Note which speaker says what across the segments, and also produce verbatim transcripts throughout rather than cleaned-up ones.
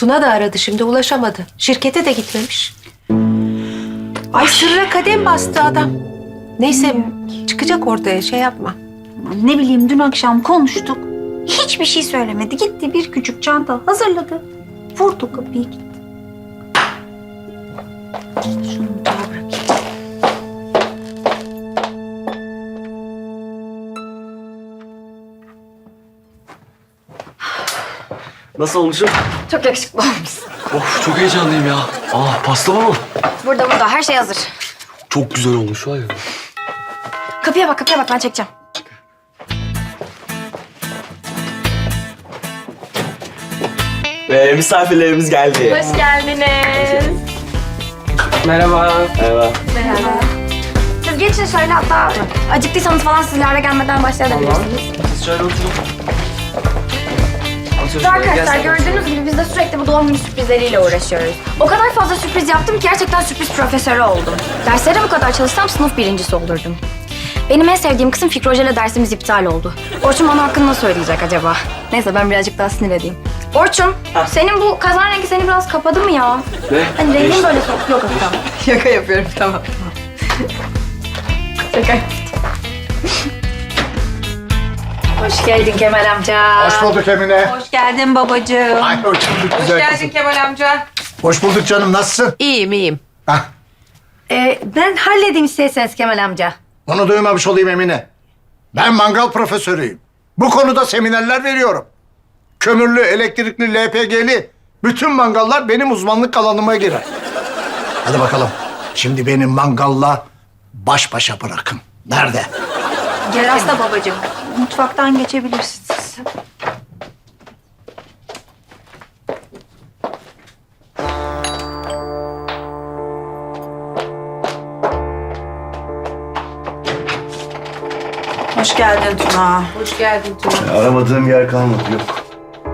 Speaker 1: Tuna da aradı şimdi, ulaşamadı. Şirkete de gitmemiş. Ay sırra kadem bastı adam. Neyse çıkacak ortaya, şey yapma.
Speaker 2: Ne bileyim, dün akşam konuştuk. Hiçbir şey söylemedi. Gitti bir küçük çanta hazırladı. Vurdu kapıyı, gitti. Şunu daha bırakayım.
Speaker 3: Nasıl olmuşum?
Speaker 4: Çok yakışıklı olmuşsun.
Speaker 3: Of çok heyecanlıyım ya. Aa pasta mı?
Speaker 4: Burada burada her şey hazır.
Speaker 3: Çok güzel olmuş var ya.
Speaker 4: Kapıya bak kapıya bak, ben çekeceğim.
Speaker 3: Ve misafirlerimiz geldi.
Speaker 4: Hoş geldiniz.
Speaker 3: Merhaba. Merhaba.
Speaker 4: Merhaba. Siz geçin şöyle, hatta acıktıysanız falan sizlerle gelmeden başlayabilirsiniz.
Speaker 3: Siz şöyle oturun.
Speaker 4: Arkadaşlar gördüğünüz gibi biz de sürekli bu doğum günü sürprizleriyle uğraşıyoruz. O kadar fazla sürpriz yaptım ki gerçekten sürpriz profesörü oldum. Derslere bu kadar çalışsam sınıf birincisi olurdum. Benim en sevdiğim kısım Fikri Hoca ile dersimiz iptal oldu. Orçun bana hakkında nasıl söyleyecek acaba? Neyse ben birazcık daha sinir edeyim. Orçun, senin bu kazan rengi seni biraz kapadı mı ya?
Speaker 3: Ne?
Speaker 4: Hani rengin böyle sok. Yok yok tamam. Şaka yapıyorum, tamam. Şaka. Hoş geldin Kemal amca.
Speaker 5: Hoş bulduk Emine.
Speaker 2: Hoş geldin babacığım.
Speaker 5: Ay hoş bulduk güzel kızım.
Speaker 6: Kemal amca.
Speaker 5: Hoş bulduk canım, nasılsın?
Speaker 1: İyiyim iyiyim.
Speaker 5: Hah,
Speaker 4: Ee, ben halledeyim isterseniz Kemal amca.
Speaker 5: onu duymamış olayım Emine. Ben mangal profesörüyüm. Bu konuda seminerler veriyorum. Kömürlü, elektrikli, L P G'li bütün mangallar benim uzmanlık alanıma girer. Hadi bakalım. Şimdi beni mangalla baş başa bırakın. Nerede?
Speaker 2: Gel hasta babacığım. Mutfaktan geçebilirsiniz. Hoş geldin Tuna.
Speaker 1: Hoş geldin Tuna.
Speaker 7: Aramadığım yer kalmadı, yok.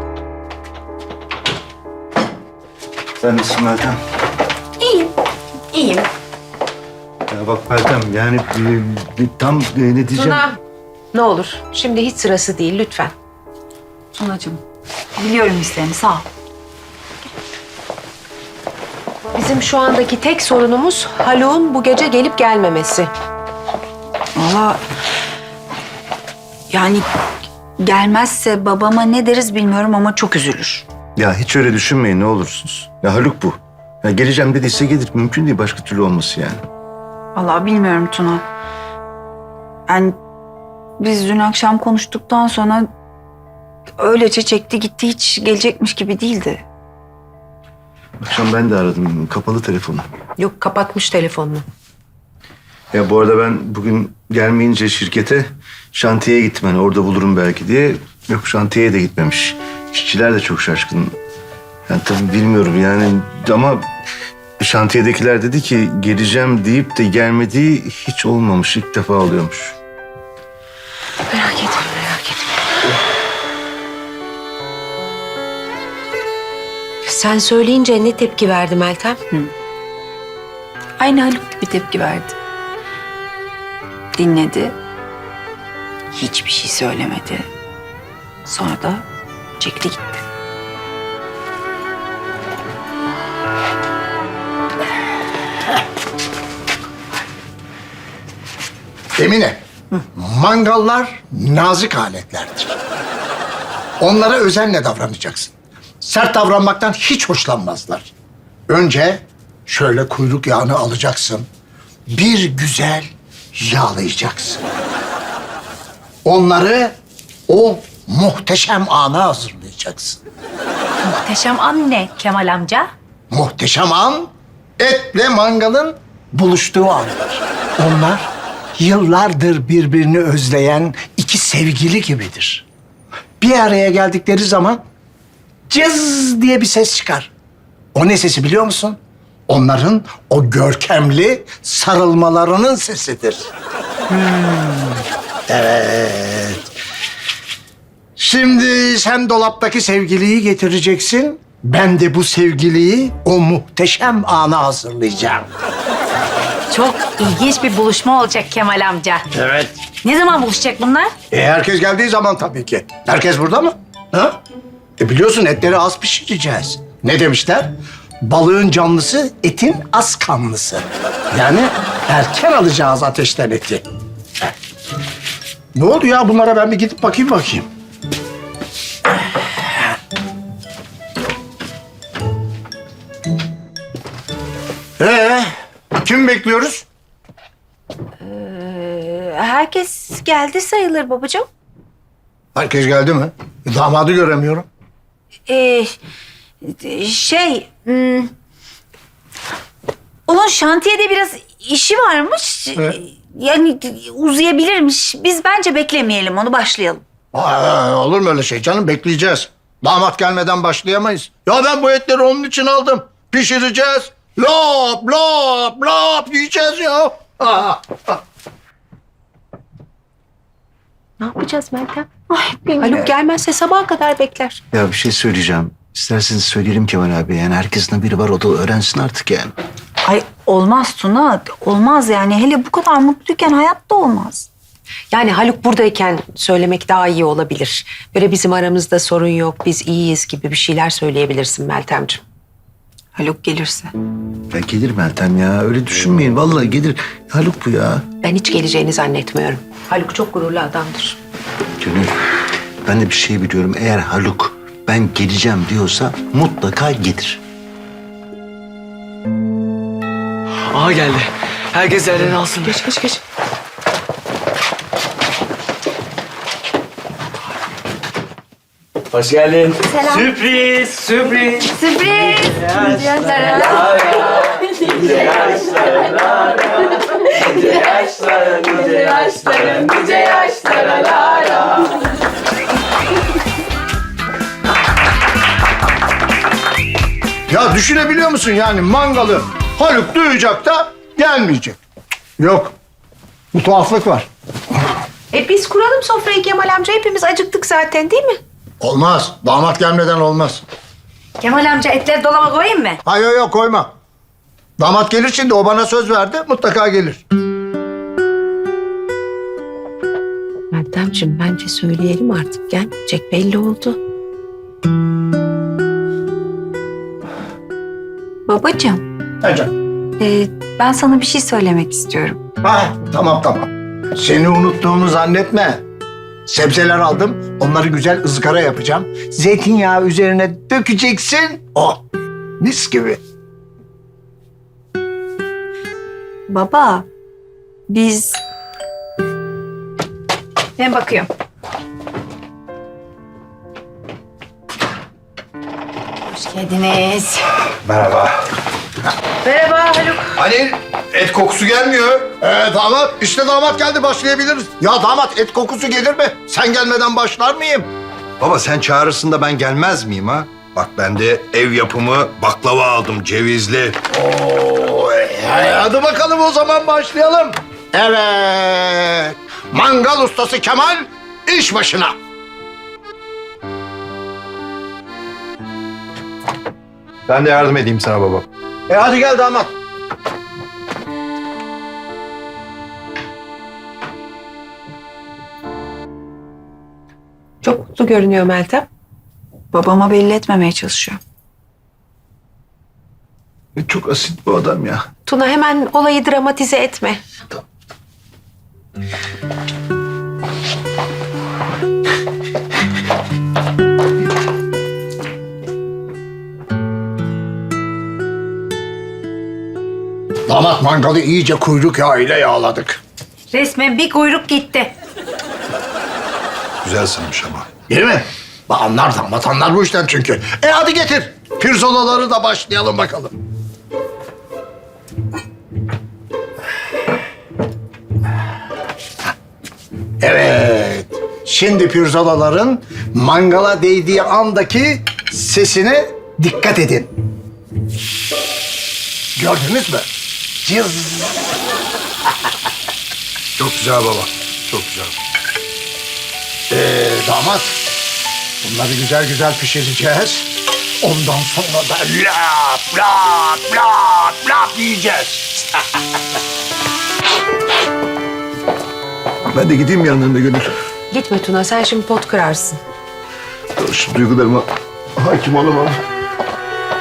Speaker 7: Sen nasılsın Meltem?
Speaker 4: İyiyim. İyiyim.
Speaker 7: Ya bak Meltem, yani e, e, tam e, ne diyeceğim?
Speaker 1: Tuna, ne olur şimdi hiç sırası değil lütfen.
Speaker 2: Tunacığım, biliyorum isteğini, sağ ol.
Speaker 1: Bizim şu andaki tek sorunumuz Haluk'un bu gece gelip gelmemesi.
Speaker 2: Valla yani gelmezse babama ne deriz bilmiyorum ama çok üzülür.
Speaker 7: Ya hiç öyle düşünmeyin ne olursunuz. Ya Haluk bu. Ya geleceğim dediyse gelir. Mümkün değil başka türlü olması yani.
Speaker 2: Vallahi bilmiyorum Tuna. Yani biz dün akşam konuştuktan sonra öylece çekti gitti, hiç gelecekmiş gibi değildi.
Speaker 7: Akşam ben de aradım. Kapalı telefonu.
Speaker 1: Yok, kapatmış telefonunu.
Speaker 7: Ya bu arada ben bugün gelmeyince şirkete şantiyeye gittim. Hani orada bulurum belki diye. Yok, şantiyeye de gitmemiş. İşçiler de çok şaşkın. Yani tabii bilmiyorum yani ama şantiyedekiler dedi ki geleceğim deyip de gelmediği hiç olmamış. İlk defa oluyormuş.
Speaker 1: Merak etme, merak etme. Sen söyleyince ne tepki verdi Meltem?
Speaker 2: Aynı Haluk gibi tepki verdi. Dinledi. Hiçbir şey söylemedi. Sonra da çekti gitti.
Speaker 5: Emine, mangallar nazik aletlerdir. Onlara özenle davranacaksın. Sert davranmaktan hiç hoşlanmazlar. Önce şöyle kuyruk yağını alacaksın. Bir güzel yağlayacaksın. Onları o muhteşem ana hazırlayacaksın.
Speaker 2: Muhteşem anne Kemal amca.
Speaker 5: Muhteşem an, etle mangalın buluştuğu andır. Onlar yıllardır birbirini özleyen iki sevgili gibidir. Bir araya geldikleri zaman cız diye bir ses çıkar. O ne sesi biliyor musun? Onların o görkemli sarılmalarının sesidir. Hmm, evet. Şimdi sen dolaptaki sevgiliyi getireceksin. Ben de bu sevgiliyi o muhteşem ana hazırlayacağım.
Speaker 2: Çok ilginç bir buluşma olacak Kemal amca.
Speaker 5: Evet.
Speaker 2: Ne zaman buluşacak bunlar?
Speaker 5: E herkes geldiği zaman tabii ki. Herkes burada mı? Ha? E biliyorsun etleri az pişireceğiz. Ne demişler? Balığın canlısı, etin az kanlısı. Yani erken alacağız ateşten eti. Ne oldu ya bunlara, ben bir gidip bakayım bakayım. Ee, kim bekliyoruz?
Speaker 1: Herkes geldi sayılır babacığım.
Speaker 5: Herkes geldi mi? E, Damadı göremiyorum.
Speaker 2: Ee, şey... hmm, onun şantiyede biraz işi varmış.
Speaker 5: Evet.
Speaker 2: Yani uzayabilirmiş. Biz bence beklemeyelim onu, başlayalım.
Speaker 5: Aa, olur mu öyle şey canım? Bekleyeceğiz. Damat gelmeden başlayamayız. Ya ben bu etleri onun için aldım. Pişireceğiz. Lop lop lop yiyeceğiz ya. Aa, aa.
Speaker 1: Ne yapacağız Meltem? Haluk gelmezse sabaha kadar bekler.
Speaker 7: Ya bir şey söyleyeceğim. İsterseniz söyleyelim Kemal abi. Yani herkesin biri var, o da öğrensin artık yani.
Speaker 2: Ay olmaz Tuna, olmaz yani. Hele bu kadar mutluyken hayatta olmaz.
Speaker 1: Yani Haluk buradayken söylemek daha iyi olabilir. Böyle bizim aramızda sorun yok, biz iyiyiz gibi bir şeyler söyleyebilirsin Meltemciğim.
Speaker 2: Haluk gelirse.
Speaker 7: Ya gelir Meltem ya. Öyle düşünmeyin. Vallahi gelir. Haluk bu ya.
Speaker 1: Ben hiç geleceğini zannetmiyorum. Haluk çok gururlu adamdır.
Speaker 7: Gönül, ben de bir şey biliyorum. Eğer Haluk ben geleceğim diyorsa mutlaka gelir.
Speaker 3: Aha geldi. Herkes yerlerini alsın.
Speaker 1: Geç geç geç.
Speaker 3: Hoş geldin. Selam. Sürpriz, sürpriz.
Speaker 4: Sürpriz.
Speaker 5: Ya düşünebiliyor musun yani mangalı Haluk duyacak da gelmeyecek. Yok. Bu tuhaflık var.
Speaker 1: E biz kuralım sofrayı Kemal amca. Hepimiz acıktık zaten değil mi?
Speaker 5: Olmaz. Damat gelmeden olmaz.
Speaker 4: Kemal amca etleri dolaba koyayım mı?
Speaker 5: Hayır yok yok koyma. Damat gelir şimdi, o bana söz verdi, mutlaka gelir.
Speaker 1: Meltemciğim bence söyleyelim artık. Gelmeyecek belli oldu.
Speaker 2: Babacığım,
Speaker 5: Hocam.
Speaker 2: e, ben sana bir şey söylemek istiyorum.
Speaker 5: Ha, tamam tamam. Seni unuttuğumu zannetme. Sebzeler aldım, onları güzel ızgara yapacağım. Zeytinyağı üzerine dökeceksin. Oh, mis gibi.
Speaker 2: Baba, biz...
Speaker 4: Ben bakıyorum. Hoş geldiniz.
Speaker 5: Merhaba.
Speaker 1: Merhaba Haluk.
Speaker 5: Hani et kokusu gelmiyor. Ee, damat, işte damat geldi, başlayabiliriz. Ya damat, et kokusu gelir mi? Sen gelmeden başlar mıyım?
Speaker 6: Baba sen çağırırsın da ben gelmez miyim ha? Bak ben de ev yapımı baklava aldım, cevizli.
Speaker 5: Oo, e, hadi bakalım o zaman başlayalım. Evet. Mangal ustası Kemal iş başına.
Speaker 6: Ben de yardım edeyim sana baba.
Speaker 5: E hadi gel damat.
Speaker 1: Çok mutlu görünüyor Meltem.
Speaker 2: Babama belli etmemeye çalışıyor.
Speaker 7: E, Çok asit bu adam ya.
Speaker 1: Tuna hemen olayı dramatize etme.
Speaker 5: Damat, mangalı iyice kuyruk yağıyla yağladık.
Speaker 2: Resmen bir kuyruk gitti.
Speaker 6: Güzel sınmış ama.
Speaker 5: Değil mi? Ba- Anlar damat, anlar bu işten çünkü. E hadi getir. Pirzolaları da başlayalım bakalım. Evet. Şimdi pirzolaların mangala değdiği andaki sesine dikkat edin. Gördünüz mü? Cız.
Speaker 6: Çok güzel baba. Çok güzel.
Speaker 5: Ee, damat, bunları güzel güzel pişireceğiz. Ondan sonra da lap lap lap lap yiyeceğiz.
Speaker 7: Ben de gideyim yanlarında Gönül.
Speaker 1: Gitme Tuna, sen şimdi pot kırarsın.
Speaker 7: Şu duygularıma hakim olamam.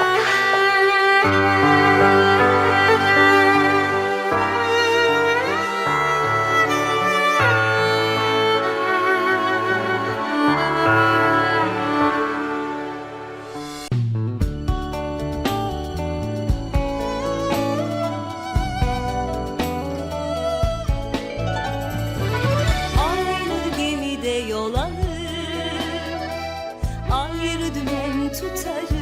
Speaker 8: Ayrı dümen tutarım